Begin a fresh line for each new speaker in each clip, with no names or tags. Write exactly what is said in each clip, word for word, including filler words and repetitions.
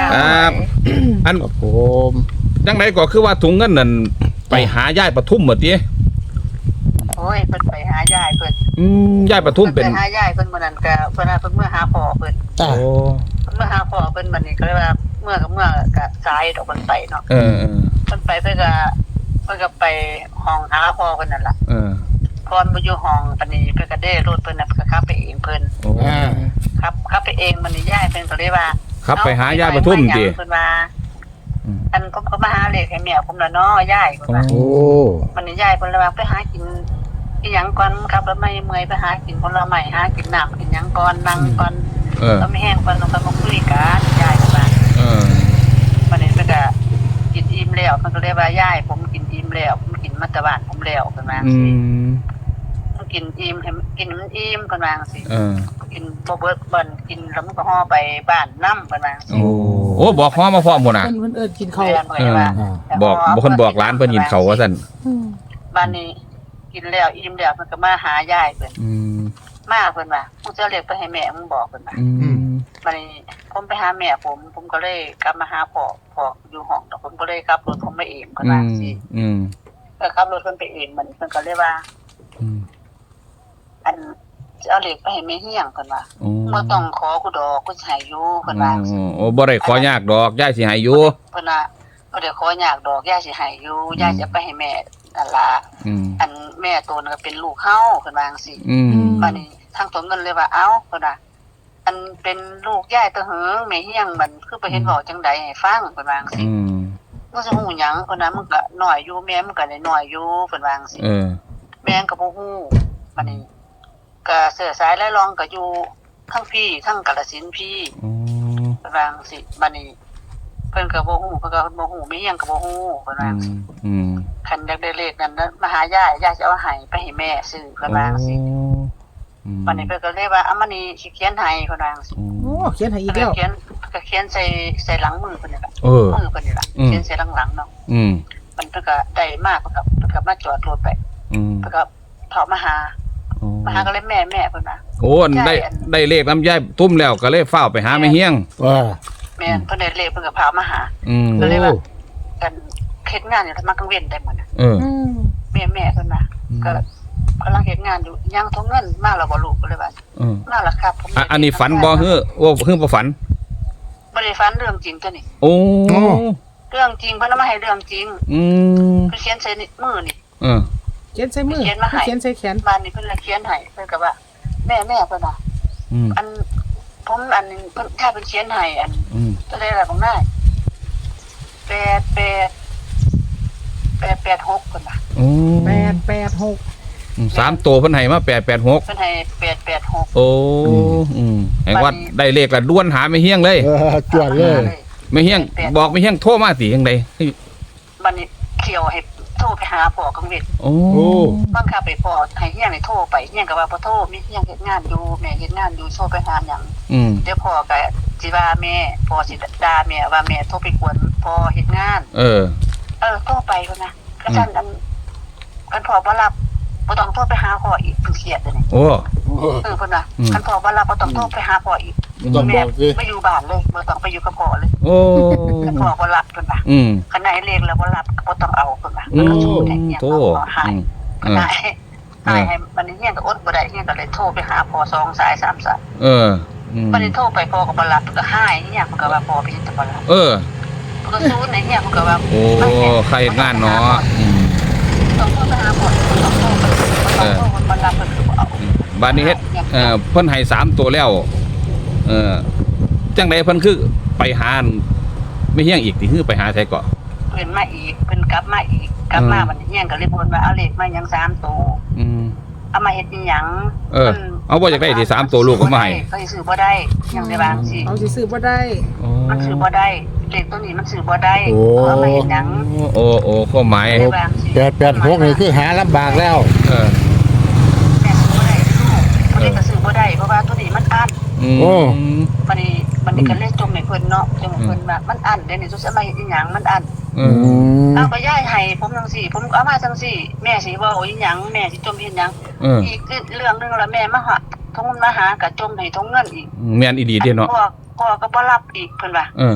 ครับอันผมจังไดก็คือว่าถุงเงินนั่นไปหายายปทุมหมดดิ
โอ้ยเพิ่นไปหายายเพิ่น
อืมยายปทุมเป็น
ไปหายายเพิ่นมื้อนั้นก็เพิ่นเพิ่นเมื่อหาพ่อเพิ่น
โอ้
เมื่อหาพ่อเพิ่นบัดนี้ก็เลยว่าเมื่อกับเมื่อก็สายดอกเพิ่นไปเนาะ
เออ
เพิ่นไปเพิ่นก็เพิ่นก็ไปห้องหาพ่อเพิ่นนั่นล่ะ
เออ
ก่อนบ่อยู่ห้องปานนี้เพิ่นก็ได้รถเพิ่นน่ะเพิ่นก็ขับไปเองเพิ่น
อ่า
ขับขับไปเองมันนี่ยายเพิ่นก็เลยว่า
ขับไปหายายปทุมติ
เพิ่นว่าอันผมก็มาหาเลขให้แม่ผมล่ะเนาะยายเพิ่นว่าโอ้มันนี่ยายเพิ่นเลยว่าไปหากินอีหยังก่อนครับแล้วไม่เมื่อยไปหากินผลไม้หากินน้ำกินหยังก่อนนั่งก่อน
เออ
ไม่แห้งก่อนลงไปมาคุยกันยายเพิ่นว่า
เออ
มันนี่เพิ่นก็กินอิ่มแล้วเพิ่นก็เลยว่ายายผมกินอิ่มแล้วผมกินมาแต่บ้านผมแล้วเพิ่นว่า
อืม
กินอิ่มให้กินมันอิ่มเพิ่นว่าจังซี่
เออ
กินบ่เบิดเบิ่นกินแล้วมันก็ห่อไปบ้านนำเพิ่นว่าจังซี่
โอ้โอ้บอกฮ้อมาพร้อมหมดน่ะ
เพิ่นเอิ้นกินข้าว
บอกบ่คนบอกร้านเพิ่นกินข้าวว่าซั่น
บ้านนี้กินแล้วอิ่มแล้วมันก็มาหายายเพิ่น
อืม
มาเพิ่นว่ามึงจะเรียกไปให้แม่มึงบอกเพิ่นว่า
อืม
บัดนี้ผมไปหาแม่ผมผมก็เลยกลับมาหาพ่อพ่ออยู่ห้องแต่ผมก็เลยขับรถผมไปเองเพิ่นว่าสิ
อืม
ก็ขับรถเพิ่นไปเองมันเพิ่นก็เลยว่า
อืม
อันจะเอาเหล็กไปให้แม่เฮียงเพิ่นว่าบ่ต้องขอกูดอกกูสิให้อยู่เพิ่นว่า
โอ้บ่ได้ขอยากดอกยายสิให้อยู่
เพิ่นว่าบ่ได้ขอยากดอกยายสิให้อยู่ยายจะไปให้แม่นั่นล่ะอันแม่ตัวนึงก็เป็นลูกเฮาเพิ่นว่าจังซี่บัดนี้ทางตัวเงินเลยว่าเอ้าเพิ่นว่าอันเป็นลูกยายตะเหิงแม่เฮียงมันคือไปเห็นเว้าจังได๋ให้ฟังเพิ่นว่าจังซี่มึงสิฮู้หยังเพิ่นน่ะมึงก็น้อยอยู่แม่มึงก็น้อยอยู่เพิ่นว่าจังซี่
เออ
แม่ก็บ่ฮู้บัดนี้ก็เสื้อสายไล่รองก็อยู่ทั้งพี่ทั้งกาฬสินธุ์พี่
อ๋อ
เพิ่นว่าจังซี่บัดนี้เพิ่นก็บ่ฮู้เพิ่นก็บ่ฮู้แม่เฮียงก็บ่ฮู้เพิ่นว่าจังซี่
อืม
คันอยากได้เลขนั้นมาหายายยายสิเอาให้ไปให้แม่ซื้อเพิ่นว่าจังซี่วันนี้เพิ่นก็เลยว่าเอามานี่สิเขียนให้เพิ่นว่าจังซี่
โอ้เขียนให้อีกแล้ว
เขียนก็เขียนใส่ใส่หลังมือเพิ่นนี่ล่ะ
เออ
มือเพิ่นนี่ล่ะเขียนใส่หลังๆเนาะ
อืม
มันเพิ่นก็ได้มาเพิ่นก็เพิ่นก็มาจอดรถไป
อืม
เพิ่นก็เข้ามาหามาหาก็เลยแม่แม่เพิ่นว่า
โอ้ได้ได้เลขน้ำยายตุ้มแล้วก็เลยฟ้าวไปหาแม่เฮียง
ว่าแม่เพิ่นได้เลขเพิ่นก็พามาหา
อืม
ก็เลยว่ากันเฮ็ดงานอยู่ทำมากลางเว้นได้หมดน่ะ
เออ
แม่แม่เพิ่นว่าก็กำลังเฮ็ดงานอยู่ยังทงเงินมาแล้วบ่ลูกก็เลยว่า
เออ
มาแล้วครับผม
อันนี้ฝันบ่ฮื้อโอ้ฮื้อบ่ฝัน
บ่ได้ฝันเรื่องจริงตัวนี้
โอ้
เรื่องจริงเพิ่นเอามาให้เรื่องจริง
อืม
เพิ่นเขียนใส่มือนี่
เออ
เขียนใส่มือเขียนใส่แขน
บ้านนี้เพิ่นเลยเขียนให้เพิ่นก็ว่าแม่แม่เพิ่นว่า
อืม
อันผมอันเพิ่นถ้าเพิ่นเขียนให้อัน
อืม
ตัวใดล่ะบ่ได้แปด แปด แปด แปด หกเพิ่นว่า
โอ้
แปด แปด หก
สามตัวเพิ่นให้มาแปด แปด หก
เพิ่นให้แปด แปด หก
โอ้อืมแห่งว่าได้เลขแล้วด้วนหาแม่เฮียงเลย
เออจวดเลย
แม่เฮียงบอกแม่เฮียงโทรมาสิจังได๋
บัดนี้เขียวให้โทรไปหาพ่อกังเวท
โอ้
บังคับไปพ่อให้เฮียงให้โทรไปเฮียงก็ว่าบ่โทรมีเฮียงเฮ็ดงานอยู่แม่เฮ็ดงานอยู่โทรไปหาหยัง
อืม
เดี๋ยวพ่อก็สิว่าแม่พ่อสิด่าแม่ว่าแม่โทรไปกวนพ่อเฮ็ดงาน
เออ
เออโทรไปพุ่นน่ะก็ซั่นอันคันพ่อบ่รับบ่ต้องโทรไปหาพ่ออีกเพิ่นเครียดเด้อนี่
โอ้
เออเพิ่นน่ะคันพ่อบ่รับบ่ต้องโทรไปหาพ่ออีกแม่ไปอยู่บ้านเลยบ่ต้องไปอยู่กับพ่อเลย
โอ้
คันพ่อบ่รับเพิ่นว่า
อืม
คันไหนเลขแล้วบ่รับก็บ่ต้องเอาเพิ่นว่า
มันก็
โทรได้เฮียงก็หาย
เออ
หายให้มันเฮียงก็อดบ่ได้เฮียงก็เลยโทรไปหาพ่อสองสายสามสาย
เออ
บัดนี้โทรไปพ่อก็บ่รับก็หายเฮียงก็ว่าพ่อไปเฮ็ดแต่บ่รับ
เออ
ก็ซูนในเฮียงก็ว่า
โอ้ใครงานเนาะ
ต้องโทรไปหาพ่อต้องโทรไปเออบ่รับเพิ่นก็บ่เอา
บัดนี้เฮ็ดเอ่อเพิ่นให้สามตัวแล้วเออจังได๋เพิ่นคือไปหาไม่เฮียงอีกที่คือไปหาไสเกาะ
เพิ่นมาอีกเพิ่นกลับมาอีกกลับมาบัดนี้เฮียงก็เลยบ่นว่าเอาเลขมาหยังสามตัว
อืม
เอามาเฮ็ดอีหยัง
เออเอาบ่อยากได้ที่สามตัวลูกก็มาให้
ก็สิซื้อบ่ได้ยังได้บางสิ
เอาสิซื้อบ่ได้
มันซื้อบ่ได้เลขตัวนี้มันซื้อบ่ได้เอามาเฮ็ดหยัง
โอ้โอ้ข้อหมาย
แปด แปด หกนี่คือหาลำบากแล้ว
เออ
แม่ซื้อบ่ได้ตัวนี้ก็ซื้อบ่ได้เพราะว่าตัวนี้มันอั้น
โอ้
บัดนี้บัดนี้ก็เลยจมให้เพิ่นเนาะจมให้เพิ่นว่ามันอั้นเดี๋ยวนี้สุดสิมาเฮ็ดอีหยังมันอั้น
อืม
เอาก็ย้ายให้ผมจังซี่ผมเอามาจังซี่แม่สิเว้าอีหยังแม่สิจมเฮ็ดหยังอีกเรื่องนึงแล้วแม่มาหาทงมาหาก็จมให้ทงเงินอีก
แม่นอีหลีเด้เนาะ
พ่อพ่อก็บ่รับอีกเพิ่นว่า
เออ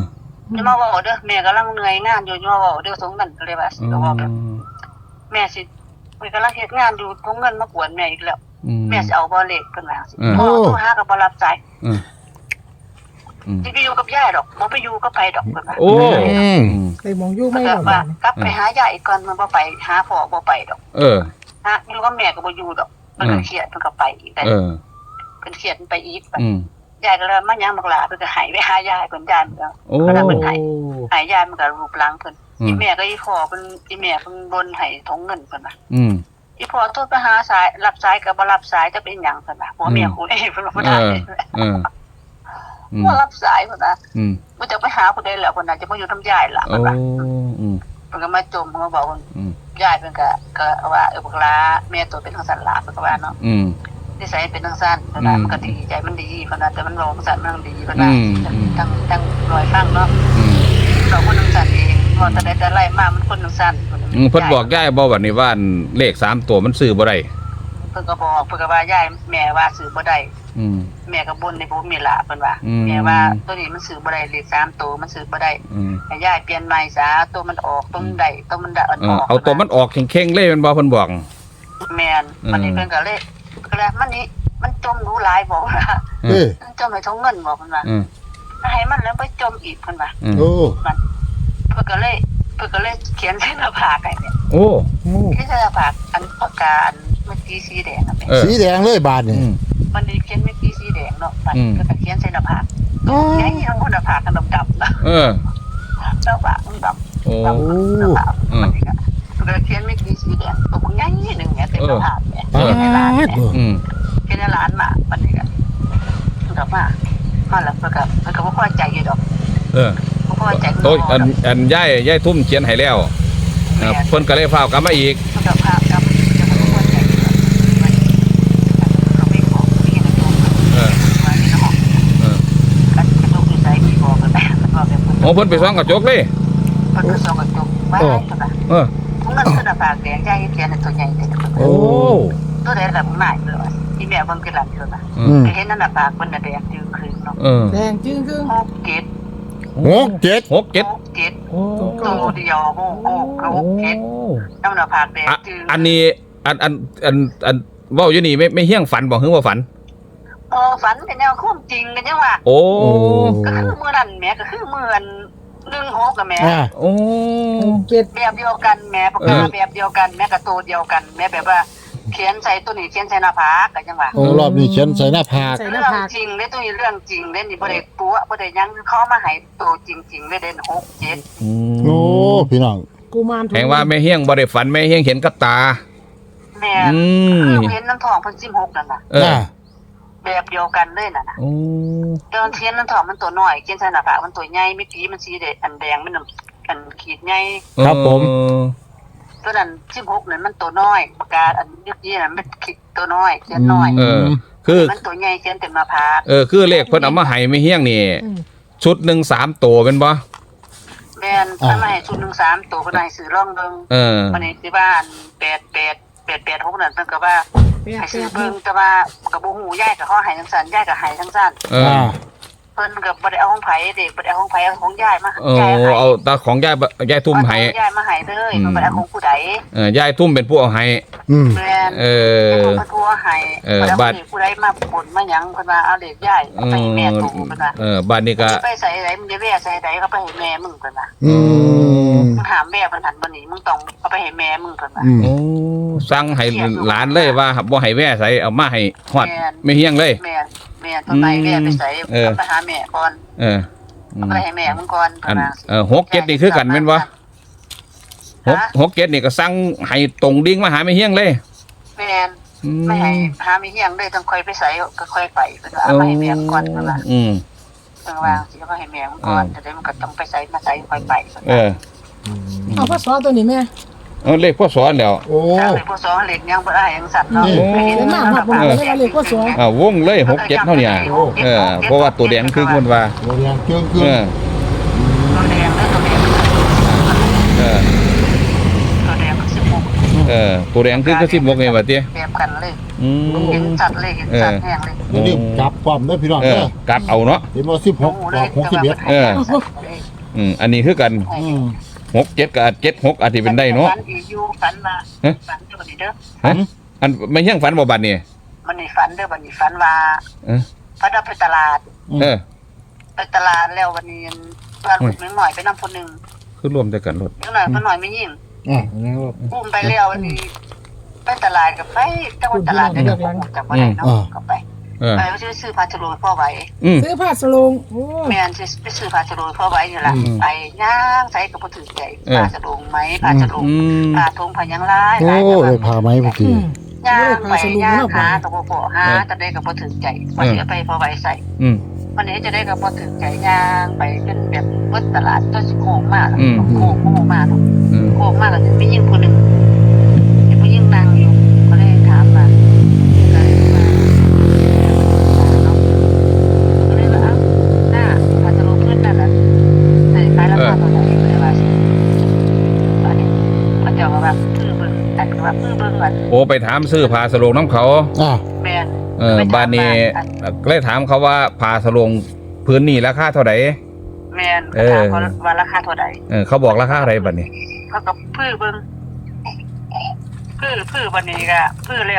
จะมาบอกเด้อแม่กำลังเหนื่อยงานอยู่จะมาบอกเด้อสงนั่นก็เลยว่าก็บอกแบบแม่สิแม่กำลังเฮ็ดงานอยู่ทงเงินมากวนแม่อีกแล้วแม่สิเอาบ่เลขเพิ่นว่าสิพ่อโทรหาก็บ่รับสายสิไปอยู่กับยายดอกบ่ไปอยู่กับไผดอกเพิ่นว่า
โอ้
ไปมองอยู่ไม่หรอก
ว่ากลับไปหายายอีกก่อนมันบ่ไปหาพ่อบ่ไปดอก
เออ
ฮะอยู่กับแม่ก็บ่อยู่ดอกเพิ่นก็เครียดเพิ่นก็ไปอีกได้
เออ
เพิ่นเครียดไปอีก
อืม
ยายก็เลยมายังบักหลาเพิ่นก็หายไปหายายเพิ่นยายมันก็
โอ้
เพิ่นหายหายยายมันก็รูปร่างเพิ่นอีแม่ก็อีพ่อเพิ่นอีแม่เพิ่นบนให้ทงเงินเพิ่นว่า
อืม
อีพ่อโทรไปหาสายรับสายก็บ่รับสายจะเป็นหยังเพิ่นว่าผัวเมียคู่นี้เพิ่นบ่
เอ
ได้
อเอออืม
บ่รับสายเพิ่นว่า
อืม
บ่จะไปหาผู้ใดแล้วเพิ่นน่ะจะมาอยู่ทำยายล่ะ
โอ้
เพิ่นว่า
อืม
เพิ่นก็มาจมเพิ่นก็บอกว่า
อืม
ยายเพิ่นก็ก็ว่าเออบักหลาแม่ตัวเป็นจังซั่นล่ะเพิ่นก็ว่าเนาะ
อืม
นิสัยเป็นจังซั่นเพิ่นว่ามันก็ดีใจมันดีเพิ่นว่าแต่มันบ่จังซั่นมันดีเพิ่นว่าทั้งทั้งรอยฟังเนาะ
อืม
เราคนจังซั่นเองพอแต่ใดแต่ไรมามันคนจังซั่น
อืมเพิ่นบอกยายบ่ว่านี่ว่าเลขสามตัวมันซื้อบ่ได้
เพิ่นก็บอกเพิ่นก็ว่ายายแม่ว่าซื้อบ่ได้
อืม
แม่ก็บ่นในบ่มีล่ะเพิ่นว่า
อืม
แม่ว่าตัวนี้มันซื้อบ่ได้เลขสามตัวมันซื้อบ่ได้
อืม
ให้ยายเปลี่ยนใหม่ซะตัวมันออกตัวมันได้ตัวมันได้อ่อน
เอ
อ
อ
อก
เอาตัวมันออกเข่งๆเลยแมันบ่เพิ่นบอก
แม่นวันนี้เพิ่นก็เลยก็เลยมันนี่มันจมรู้หลายบอกว่า
เอ้ย
มันจมให้ทงเงินบอกเพิ่นว่า
อืม
ให้มันแล้วไปจมอีกเพิ่นว่า
อืม
โอ้
เพิ่นก็เลยเพิ่นก็เลยเขียนใส่หน้าผากให้เนี่ย
โอ้
โอ้
เขียนใส่หน้าผากอันปากกาอันเมื่อกี้สีแดงอ่ะแม่
เออ
สีแดงเลยบาทนี่
อืม
มันนี่เขียนเมื่อกี้สีแดงเนาะมัน
อืม
ก็เขียนใส่หน้าผากแค่นี้ทั้งคนหน้าผากกันดำๆนะ
เออ
หน้าผากมันดำ
โอ้
ดำหน้าผากมันนี่ก็มันก็เขียนเมื่อกี้สีแดงตัวใหญ่หนึ่งเนี่ยเต็มหน้าผากเนี่ย
ปา
เขียนในร้านเนี่ย
ด
อืม
เขียนในร้านมามันนี่ก็มันก็มามาแล้วมันก็มันก็บ่พอใจอยู่ดอก
เออ
บ่พอใจ
โอ้ยอันอันยายยายทุ่มเขียนให้แล้วเออเพิ่นก็เลยฟ้าวกลับมาอีก
มันก็พากับจะบ่พอใจอยู่ดอกมันก็ไม่บอกมีในตัว
เออ
มาในห้อง
เออ
กันกระจกอยู่ใส่มีบอกกันแม่มันว่าแบบ
โอ้เพิ่นไปซ่องกระจกเลย
เพิ่นก็ส่องกระจกไว้ตัวน่ะ
เออ
ทุกนั้นคือหน้าผากแดงใหญ่เขียนในตัวใหญ่แต่
โอ้
ตัวใดแบบหน้าเลยว่าที่แม่เบิ่งคือหลังตัวน่ะ
อื
อื
ม
ม
ก็เห็นนั่นน่ะปากเพิ่นน่ะแดงจืดครึ่งเนาะ
เออ
แดงจึ้งครึ่ง
หกเกต
หกเจ็ด
หกเจ็ด
หกเกต
โอ้
ตัวเดียวโอ้โหหกเกตน้ำหน้าผากแดง
อะ
จืด
อันนี้อันอันอันอันเว้าอยู่นี่ไม่ไม่เฮี้ยงฝันบ่ฮึว่าฝัน
เออฝันเป็นแนวความจริงกันจังว่า
โอ้
โอ้
ก็คือมื้อนั้นแม่ก็คือมื้ออันหนึ่งหกกับแม่
อ่า
โอ้
เจ็ด
แบบเดียวกันแม่ปากกาแบบเดียวกันแม่กับตัวเดียวกันแม่แบบว่าเขียนใส่ตัวนี้เขียนใส่หน้าผากกันจังว่า
โอ้รอบนี้เขียนใส่หน้าผาก
ใส่ห
เรื่
น้า
อง
ผาก
จริงเด้ตัวนี้เรื่องจริงเด้นี่บ่ได้ปัวบ่ได้หยังเขามาให้ตัวจริงๆเด้เด่นหกเจ็ด
โอ้พี่น้อง
กูมาร
แห่งว่าแม่เฮี้ยงบ่ได้ฝันแม่เฮี้ยงเห็นกับตา
แม่
อืม
คือเห็นน้ำทองเพิ่นสิบหกนั่นน่ะ
เออ
อ่า
แบบเดียวกันเลยน่ะนะ
โอ้
แต่เขียนน้ำทองมันตัวน้อยเขียนใส่หน้าผากมันตัวใหญ่เมื่อกี้มันสีแดงอันแดงมันอันขีดใหญ่
ครับผม
ตัวนั้นสิบหกนั่นมันตัวน้อยปากกาอันเมื่อกี้นั่นมันขีดตัวน้อยเขียนน้อย
เออ คือ
มันตัวใหญ่เขียนเต็มหน้าผาก
เออคือเลขเพิ่นเอามาให้แม่เฮี้ยงนี่
อืม
ชุดหนึ่งสามตัวเป็นบ่
แม่นถ้ามาให้ชุดหนึ่งสามตัวก็ได้ซื้อร่องเบิ่ง
เออ
วันนี้ที่บ้านแปดแปดแปดแปดหกนั่นเพิ่นก็ว่า
แปด
ให้
แป
ซื้อ
ดห
เบิ่ง
ก
แต่ว่าก็บ่ฮู้ยายก็ขอให้ทั้งสั้นยายก็ให้ทั้งสั้น
เออ
อ่า
เพิ่นก็บ่ได้เอาของไผเด็กบ่ได้เอาของไผเอาของยายมา
เออเอาตาของยายบยายทุ่มให้
เอาของยายมาให้เลยเพิ่นบ่ได้เอาของผู้ใด
เออยายทุ่มเป็นผู้เอาให้
อืม
แม่น
เอ
เพิ่
อ
นก็ทั่วให้
เออ
บ่ได้เอา
บัด
ของผู้ใดมาบ่นมาหยังเพิ่นว่าเอาเด็กยายเอาไปให้แม่ตู่เพิ่นว่า
เออบ้านนี้ก็
ไปใส่ไหนมึงจะแว่ใส่ไหนก็ไปให้แม่มึงเพิ่นว่า
อืม
มึงถามแม่เพิ่นหันบ่หนีมึงต้องเอาไปให้แม่มึงเพิ่นว่า
อืม
โอ้สั่งให้หลานเลยว่าบ่ให้แว่ใส่เอามาให้ฮอดไม่เฮี้ยงเลย
แม่แม่ต้องไปแม่ไปใส่
เออ
เอาไปหาแม่ก่อน
เอออืม
เอาไปให้แม่มึงก่อน
อัน
เพิ่นว่า
เออหกเจ็ดนี่คือกันแม่นบ่หกหกเจ็ดนี่ก็สั่งให้ตรงดิ่งมาหาไม่เฮี้ยงเลย
แม่น
อื
ไม่ให้หามีเฮียงเลยต้องค่อยไปใส่ก็ค่อยไปเพิ่นว่าเอาไปให้แม่มึงก่อนเพิ่นว่า
อืม
เพิ่นว่าสิเอาไปให้แม่มึงก่อนแต่เดี๋ยวมันก็ต้องไปใส่มาใส่ค่อยไปเพิ่น
เอ
ว่า
อ
เอาพ่อสอตัวนี้แม่
เอาเลขพ่อสอนแล้ว
โอ้
ถ้าเลยผู้สอนเล็กยังบ่ได้ยังสั่นเนาะ
โอ้
ไปเห็นมากมาก
เออเลขผู้สอน
อ่าวงเลยหกเจ็ดเท่านี้เออเพราะว่าตัวแดงคือคนว่า
โรงแรมเครื่องเครื่
เอ
อง
อ
ตัวแดงแล้วตัวแดง
เออ
ตัวแดงก็สิบหก
เออตัวแดงคือก็สิบหกไงวะเตี้ย
แบบกันเลย
อืม
เห็นสัตว์เลยเห็นสัตว์แห้งเลย
อย่าลืมจับความเด้อพี่น้อง
เอ
เด้
อ
อ
กลับเอาเนาะ
เห็นว่าสิบหกออกหกสิบเอ็ด
เอออืมอันนี้คือกัน
อืม
หกเจ็ดกับเจ็ดหกอาจจะเป็นได้เนาะ
ฝันอีกอยู่ฝันมา
ฮะ
ฝันเด้อบัดนี้เด้อ
ฮะอันไม่เฮี้ยงฝันบ่บัดนี่
มันนี่ฝันเด้อบัดนี้ฝันว่า
เออ
ฝันว่าไปตลาด
เออ
ไปตลาดแล้ววันนี้ว่าลูกนิดหน่อยไปนำคนหนึง
คือรวมแต่กันรถ
นิดหน่อยคนหน่อยไม่ยิ่ง
อ่า
อุ้มไปแล้ววันนี้ไปตลาดกับไปจังหวัดตลาดได้กับจังหวัดไหนเนาะก็ไป
เออ
ไปซื้อซื้อผ้าฉลูพ่อไว้
อืม
ซื้อผ้าสลงโอ้
แม่นซื้อไปซื้อผ้าฉลูพ่อไว้นี่ล่ะ
อืม
ไปย่างใส่กับบ่ถือใจ
เออ
ผ้าฉลูไหมผ้าฉลู
อืม
ผ้าทงผ้าหยังหลาย
โอ้
หลาย
ได้พาไหมพอดี
อืม
ย่างไป
ผ้าฉลู
ย่าง
เนาะ
หาตะโกโกหาจะได้กับบ่ถือใจว่าสิเอาไปพ่อไว้ใส่
อืม
วันนี้จะได้กับบ่ถือใจย่างไปเป็นแบบเบิดตลาดจนสิโค้งมาก
อืม
โค้งโค้งมาก
อืม
โค้งมากก็จะมียิ่งคนหนึงมีผู้หญิงนั่งอยู่ก็เลยถามมาก็เลยมาเนาะก็เลยว่าเอ้าหน้าผ้าฉลูขึ้นนั่นน่ะใส่ขายราคาเท่าไหร่ก็เลยว่าสิอันนี้เขาเจ้าก็ว่าพื้อเบิ่งอันก็ว่าพื้อเบิ่งว่า
โอ้ไปถามซื้อผ้าสโลงน้ำเขา
อ่า
แม่น
เออบ้านนี้ก็เลยถามเขาว่าผ้าสโลงพื้นนี่ราคาเท่าไหร่
แม่นก็ถามเขาว่าราคาเท่าใด
เออเขาบอกราคาอะไรบ้านนี้
เขาก็พื้อเบิ่งพื้อพื้อบัดนี้ก็พื้อแล้ว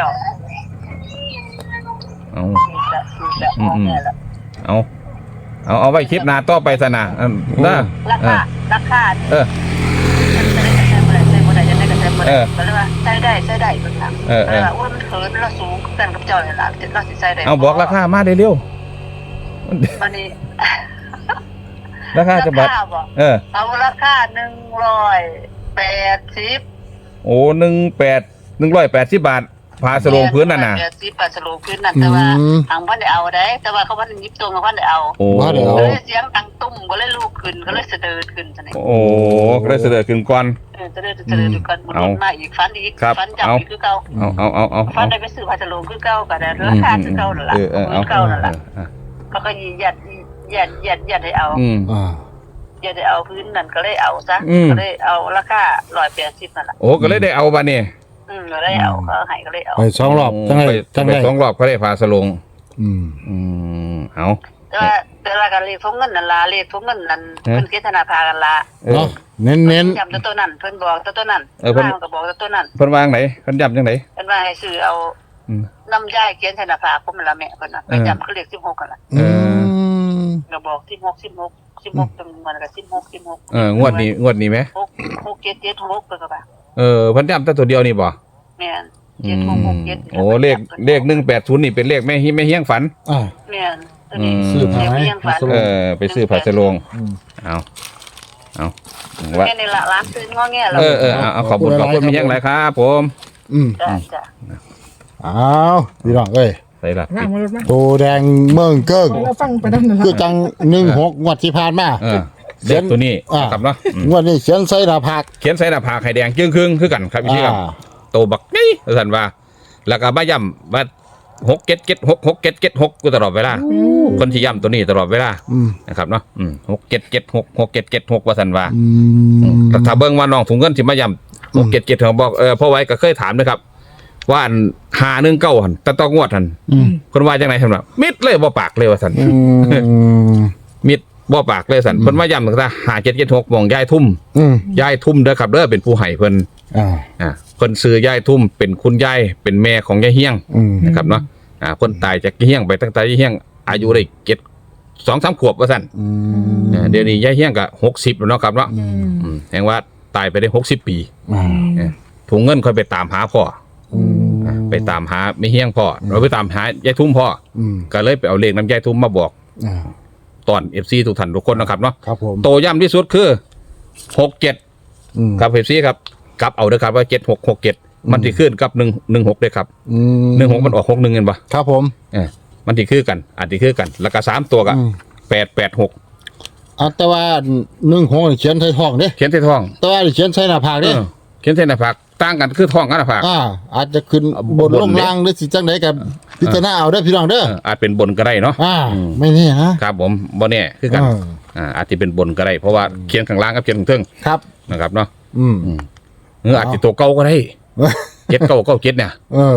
เอา
นี่จะนี่จะมองแม่ละ
เอาเอาเอาไว้คลิปหน้าต่อไปซะนะอันนะ
รา
เอ
คา
อ
ราคา
เออ
จะได้ใช้บ่ได้ใช้บ่ได้จะได้ก็ใช้บ่
เอ
ได้
อ
ก็เลยว่าใช้ได้ใช้ได้เพิ่นถาม
เออเออ
ว่าอ้วนเขินแล้วสูงกันกับเจ้านี่ล่ะเราสิใช้ได้
เอาบอกราคามาได้เร็ว
บัดนี้
ราคาจะบัด
ราคาบ่
เออ
เอาราคาหนึ่งร้อยแปดสิบ
โอ้หนึ่งแปดหนึ่งร้อยแปดสิบบาทผ้าสโลงพื้นน่ะนะ
แปดสิบปลาสโลงพื้นนั่นแต่ว่า
อืม
ทางเพิ่นได้เอาได้ แต่ว่าเขาเพิ่นหยิบตัวมาเพิ่นได้เอา
โอ้
ว่าเดี๋ยว
ก็เลยเสียงดังตุ้มก็เลยลุกขึ้นก็เลยเสด็จขึ้นจังได๋
โอ้ก็เลยเสด็จขึ้นก่อน
เออเสด็จเสด็จกันมัน
เอา
มาอีกฟันอีก
ครับ
ฟันจับ
เอา
อีกคือเก่า
เอาเอาเอาเอา
ฟั
เอา
นได้ไปซื้อปลาสโลงคือเก่าก็ได้ราคาคือเก่านั่นล่ะ
เออเออเอา
คือเก่านั่นล่ะ
เออ
เขาก็ยียัดยัดยัดยัดให้เอา
อืม
อ่า
ยัดให้เอาพื้นนั่นก็เลยเอาซะ
อืม
ก็เลยเอาราคาหนึ่งร้อยแปดสิบนั่นล่ะ
โอ้ก็เลยได้เอาบ้านนี่
อืมก็เลยเอาก็ให้ก็เลยเอา
ไปสองรอบจัง
ไป
ได้จัง
ไป
ได้
สองรอบก็ได้ผ้าสโลง
อืม
อืมเอา
แต่ว่าแต่ละการเลขทงเงินนั่นล่ะเลขทงเงินนั่น
ฮะ
เพิ่นเกณฑ์ธนาภากันล่ะ
เออ
เนาะเน้นเน้น
ย้ำตัวตัวนั้นเพิ่นบอกตัวตัวนั้น
เออเพิ่น
ว่ามันก็บอกตัวตัวนั้น
เพิ่นวางไหนเพิ่นย้ำจังไหน
เพิ่นว่าให้ซื้อเอา
อืม
น้ำยายเขียนธนาภาคมละแม่เพิ่นน่ะไป
เออ
ย้ำเขาเลขสิบหกกันล่ะ
อืม
ก็บอกสิบหก สิบหก สิบหกจำนวนก็สิบหก สิบหก
เอองวดนี้งวดนี้ไหม
หก หก เจ็ด เจ็ด หกเพิ่นก็ว่า
เออเพิ่นย้ำแต่ตัวเดียวนี่บ่
แม่น
อื
เจ็ด
ม
หก หก เจ็ด
โอ้เลขเลขหนึ่งแปดศูนย์นี่เป็นเลขแม่ฮิแม่เฮียงฝัน
อ่า
แม่นตัวนี้
อืม
ซื้อผ้าไหม
เลี้ยงฝัน
เออไปซื้อผ้าสโลง
อืม
เอาเอาว่า
แม่นี่ล่ะร้านซื้องอแงแล้ว
เออเออเอาเอาขอบคุณขอบคุณมีเฮียงหลายครับผม
อืม
จ้ะจ้ะ
อ้าวพี่น้องเอ้ย
ใส่ละ
ร่างมารถมา
ตัวแดงเมืองเกิ้ง
เราฟังไปนั่นน่ะ
คือจังหนึ่งหกงวดที่ผ่านมา
เออเด็กตัวนี้
อ่า
ครับเนาะอืม
งวดนี้เขียนใส่หน้าผาก
เขียนใส่หน้าผากไข่แดงจึ้งครึ่งคือกันครับพี่ครับ
อ่า
โตบักนี่ท่านว่า แล้วก็มาย้ำว่าหกเก็ดเก็ดหกหกเก็ดเก็ดหกกูตลอดเวลาคนที่ย้ำตัวนี้ตลอดเวลา
อืม
นะครับเนาะอืมหกเก็ดเก็ดหกหกเก็ดเก็ดหกว่าท่านว่า
อืม
แต่ถ้าเบิ่งว่าน้องถุงเงินสิมาย้ำหกเก็ดเก็ดเขาบอกเออพ่อไว้ก็เคยถามนะครับ ว่าอันหาหนึ่งเก้าหันแต่ต้องงวดหัน
อืม
คนว่าจังไหนท่านว่ามิดเลยบ่ปากเลยว่าท่าน
อืม
มิดบ่ปากเลยสันเพิ่นมาย้ำตั้งแต่หาเจ็ดเจ็ดหกมองยายทุ่ม
อืม
ยายทุ่มเด้อครับเด้อเป็นผู้ให้เพิ่น
อ่า
อ่าเพิ่นซื้อยายทุ่มเป็นคุณยายเป็นแม่ของยายเฮียง
อืม
นะครับเนาะอ่าเพิ่นตายจากยายเฮียงไปตั้งแต่ยายเฮียงอายุได้เจ็ดสองสามขวบว่าซั่น
อื
อ่าเดี๋ยวนี้ยายเฮียงก็หกสิบแล้วเนาะครับเนาะ
อืม
อืมแสดงว่าตายไปได้หกสิบปี
อ่า
เออถุงเงินค่อยไปตามหาพ่อ
อืม
อ่าไปตามหาไม่เฮียงพ่อเราไปตามหายายทุ่มพ่อ
อืม
ก็เลยไปเอาเลขน้ำยายทุ่มมาบอก
อ่า
ตอน เอฟ ซี ทุกท่านทุกคนนะครับเนาะ
ครับผม
โตย่ำที่สุดคือหกเจ็ด
อืม
ครับ เอฟ ซี ครับกลับเอาเด้อครับว่าเจ็ดหกหกเจ็ดมันสิขึ้นกับหนึ่งหนึ่งหกเลยครับ
อืม
หนึ่งหกมันออกหกหนึ่งเงินปะ
ครับผม
เออมันสิคือกันอาจสิคือกันแล้วก็สามตัวก็
อืม
แปดแปดหก
อ่ะแต่ว่าหนึ่งหกเขียนใส่ท้องเด้
เขียนใส่ท้อง
แต่ว่าเขียนใส่หน้าผาก
เอ
เด้
อเขียนใส่หน้าผากต่างกันคือท้องกับหน้าผาก
อ่า อาจจะขึ้น
อ่ะ
บน
บน
ลง
เด้
ล่างหรือสิจังไดกับพิจารณาเอาเด้อพี่น้องเด้อ
เอออาจเป็นบนก็ได้เนาะ
อ่า
อืม
ไม่แน่นะครับ
ผมบ่แน่คือกัน
อ่า
อ่าอาจจะเป็นบนก็ได้เพราะว่าเขียนข้างล่างกับเขียนข้างเทิง
ครับ
นะครับเนาะ
อืม
อืมหรืออาจจะตัวเก่าก็ได้เจ็ดเก้าเก้าเจ็ดเนี่ย
เออ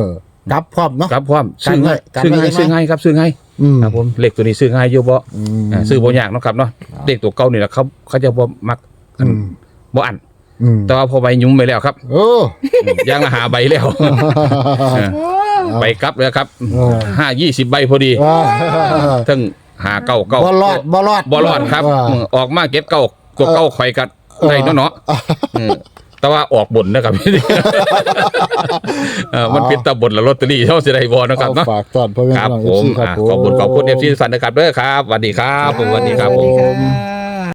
กลับพร้อมเนาะ
ครับพร้อมซื้อง่าย
กัน
ซื้อ
ไว้
ง่าย
กันไว้
ซื้อง่ายครับซื้อง่าย
อืม
ครับผมเลขตัวนี้ซื้อง่ายอยู่บ่
อืม
อ่าซื้อบ่ยากเนาะครับเนาะเลขตัวเก่านี่แหละเขาเขาจะบ่มัก
อืม
บ่อัน
อืม
แต่ว่าพอใบยุ่มไปแล้วครับ
โอ้
ย่างละหาใบแล้ว ใบกลับเลยครับ
เออ
ห้ายี่สิบใบพอดี
อ่า
ทั้งหาเก้าเก้า
บ่รอดบ่รอด
บ่รอดครับ
อ่า
อืมออกมาเก็ตเก้ากว่าเก้าข่อยกัดได้เนาะเนาะอืมแต่ว่าออกบนนะครับ เออมันเป็นตะบนละลอตเตอรี่เท่าสิได้บ่นะครับเนาะ
ฝากตอนพ่อแม่
ครับ
พี่น้อง
ผม
เอฟซีครับ
อ่ะ
ผม
ขอบคุณขอบคุณ เอฟ ซี ทุกท่านนะครับเด้อครับสวัสดีครับผมสวัสดีครับผม
สวัสดีค่ะ